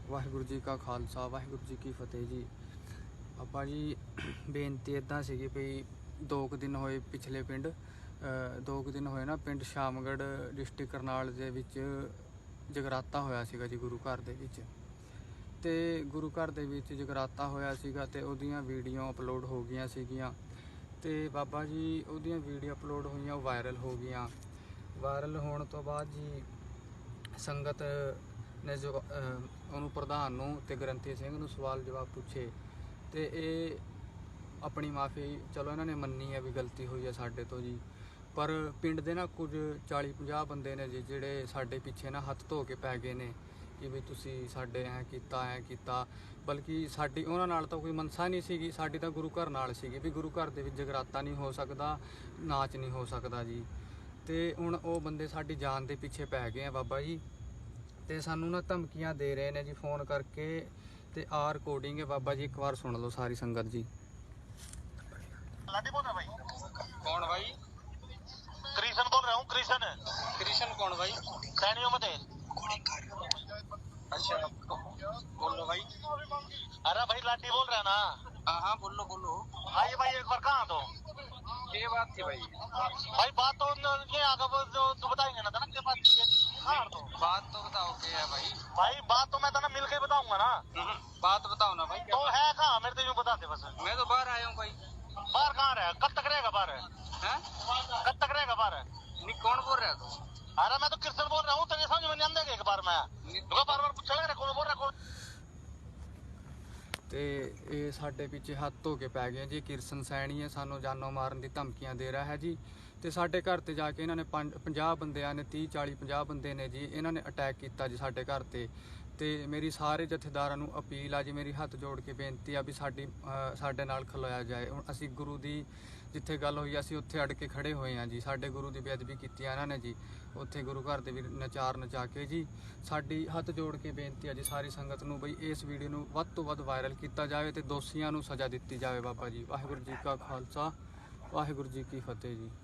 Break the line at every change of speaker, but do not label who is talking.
ਵਾਹਿਗੁਰੂ ਜੀ ਕਾ ਖਾਲਸਾ ਵਾਹਿਗੁਰੂ ਜੀ ਕੀ ਫਤਿਹ ਜੀ। ਆਪਾਂ ਜੀ ਬੇਨਤੀ ਇੱਦਾਂ ਸੀਗੀ ਵੀ 2 ਦਿਨ ਹੋਏ ਪਿਛਲੇ ਪਿੰਡ 2 ਦਿਨ ਹੋਏ ਨਾ ਪਿੰਡ ਸ਼ਾਮਗੜ੍ਹ ਡਿਸਟ੍ਰਿਕਟ ਕਰਨਾਲ ਦੇ ਵਿੱਚ ਜਗਰਾਤਾ ਹੋਇਆ ਸੀਗਾ ਜੀ ਗੁਰੂ ਘਰ ਦੇ ਵਿੱਚ। ਤੇ ਗੁਰੂ ਘਰ ਦੇ ਵਿੱਚ ਜਗਰਾਤਾ ਹੋਇਆ ਸੀਗਾ ਤੇ ਉਹਦੀਆਂ ਵੀਡੀਓ ਅਪਲੋਡ ਹੋ ਗਈਆਂ ਸੀਗੀਆਂ ਤੇ ਬਾਬਾ ਜੀ ਉਹਦੀਆਂ ਵੀਡੀਓ ਅਪਲੋਡ ਹੋਈਆਂ, ਉਹ ਵਾਇਰਲ ਹੋ ਗਈਆਂ। ਵਾਇਰਲ ਹੋਣ ਤੋਂ ਬਾਅਦ ਜੀ ਸੰਗਤ ਨੇ ਜੋ ਉਹਨੂੰ ਪ੍ਰਧਾਨ ਨੂੰ ਤੇ ਗ੍ਰੰਥੀ ਸਿੰਘ ਨੂੰ ਸਵਾਲ ਜਵਾਬ ਪੁੱਛੇ ਤੇ ਇਹ ਆਪਣੀ ਮਾਫੀ ਚਲੋ ਇਹਨਾਂ ਨੇ ਮੰਨੀ ਹੈ ਵੀ ਗਲਤੀ ਹੋਈ ਹੈ ਸਾਡੇ ਤੋਂ ਜੀ। ਪਰ ਪਿੰਡ ਦੇ ਨਾ ਕੁਝ 40-50 ਬੰਦੇ ਨੇ ਜੀ ਜਿਹੜੇ ਸਾਡੇ ਪਿੱਛੇ ਨਾ ਹੱਥ ਧੋ ਕੇ ਪੈ ਗਏ ਨੇ ਕਿ ਵੀ ਤੁਸੀਂ ਸਾਡੇ ਐਂ ਕੀਤਾ, ਬਲਕਿ ਸਾਡੀ ਉਹਨਾਂ ਨਾਲ ਤਾਂ ਕੋਈ ਮਨਸਾ ਨਹੀਂ ਸੀਗੀ, ਸਾਡੀ ਤਾਂ ਗੁਰੂ ਘਰ ਨਾਲ ਸੀਗੀ ਵੀ ਗੁਰੂ ਘਰ ਦੇ ਵਿੱਚ ਜਗਰਾਤਾ ਨਹੀਂ ਹੋ ਸਕਦਾ, ਨਾਚ ਨਹੀਂ ਹੋ ਸਕਦਾ ਜੀ। ਤੇ ਹੁਣ ਉਹ ਬੰਦੇ ਸਾਡੀ ਜਾਨ ਦੇ ਪਿੱਛੇ ਪੈ ਗਏ ਆ ਬਾਬਾ ਜੀ, ਤੇ ਸਾਨੂੰ ਨਾ ਧਮਕੀਆਂ ਦੇ ਰਹੇ ਨੇ ਜੀ ਫੋਨ ਕਰਕੇ। ਤੇ ਆ ਰਿਕਾਰਡਿੰਗ ਹੈ ਬਾਬਾ ਜੀ, ਇੱਕ ਵਾਰ ਸੁਣ ਲਓ ਸਾਰੀ ਸੰਗਤ ਜੀ।
लाडी बोल रहा भाई।
कौन भाई?
कृष्ण बोल रहा हूँ। कृष्ण
कृष्ण कौन भाई?
सैनियों में थे।
अच्छा बोलो भाई।
अरे भाई लाडी बोल रहा है ना।
हाँ बोलो।
आइए भाई एक बार कहाँ तो
ये बात थी भाई।
भाई बात तो ये आगे वो जो तू बताएंगे ना था ना क्या बात थी? हाँ तो
बात तो बताओ क्या है भाई?
भाई बात तो मैं तो ना मिल के बताऊंगा ना।
बात बताओ ना भाई।
तो है कहाँ मेरे तो यूँ बताते बस।
मैं तो बाहर आया हूँ भाई।
बाहर कहाँ रहे? कब तक रहेगा बाहर?
हैं?
कब तक रहेगा बाहर?
नहीं कौन बोल रहा है तू?
अरे मैं तो कृष्ण बोल रहा हूँ, तेरे समझ में नहीं आंदेगा एक बार में। बार पूछा लग रहा कौन बोल रहा कौन।
ਤੇ ਇਹ ਸਾਡੇ ਪਿੱਛੇ ਹੱਥ ਧੋ ਕੇ ਪੈ ਗਏ ਜੀ। ਕਿਰਸਨ ਸੈਣੀ ਹੈ, ਸਾਨੂੰ ਜਾਨੋਂ ਮਾਰਨ ਦੀ ਧਮਕੀਆਂ ਦੇ ਰਿਹਾ ਹੈ ਜੀ। ਤੇ ਸਾਡੇ ਘਰ ਤੇ ਜਾ ਕੇ ਇਹਨਾਂ ਨੇ 50 ਬੰਦਿਆਂ ਨੇ 30-40-50 ਬੰਦੇ ਨੇ ਜੀ, ਇਹਨਾਂ ਨੇ ਅਟੈਕ ਕੀਤਾ ਜੀ ਸਾਡੇ ਘਰ ਤੇ। ਤੇ ਮੇਰੀ ਸਾਰੇ ਜਥੇਦਾਰਾਂ ਨੂੰ ਅਪੀਲ ਆ ਜੀ, ਮੇਰੀ ਹੱਥ ਜੋੜ ਕੇ ਬੇਨਤੀ ਆ ਵੀ ਸਾਡੇ ਨਾਲ ਖਲੋਇਆ ਜਾਏ। ਹੁਣ ਅਸੀਂ ਗੁਰੂ ਦੀ ਜਿੱਥੇ ਗੱਲ ਹੋਈ ਅਸੀਂ ਉੱਥੇ ਅੜ ਕੇ ਖੜੇ ਹੋਏ ਆ ਜੀ। ਸਾਡੇ ਗੁਰੂ ਦੀ ਬੇਅਦਬੀ ਕੀਤੀ ਇਹਨਾਂ ਨੇ ਜੀ, ਉੱਥੇ ਗੁਰੂ ਘਰ ਦੇ ਵੀ ਨਚਾ ਕੇ ਜੀ। ਸਾਡੀ ਹੱਥ ਜੋੜ ਕੇ ਬੇਨਤੀ ਆ ਜੀ ਸਾਰੀ ਸੰਗਤ ਨੂੰ ਬਈ ਇਸ ਵੀਡੀਓ ਨੂੰ ਵੱਧ ਤੋਂ ਵੱਧ ਵਾਇਰਲ ਕੀਤਾ ਜਾਵੇ ਤੇ ਦੋਸ਼ੀਆਂ ਨੂੰ ਸਜ਼ਾ ਦਿੱਤੀ ਜਾਵੇ ਬਾਬਾ ਜੀ। ਵਾਹਿਗੁਰੂ ਜੀ ਕਾ ਖਾਲਸਾ ਵਾਹਿਗੁਰੂ ਜੀ ਕੀ ਫਤਿਹ ਜੀ।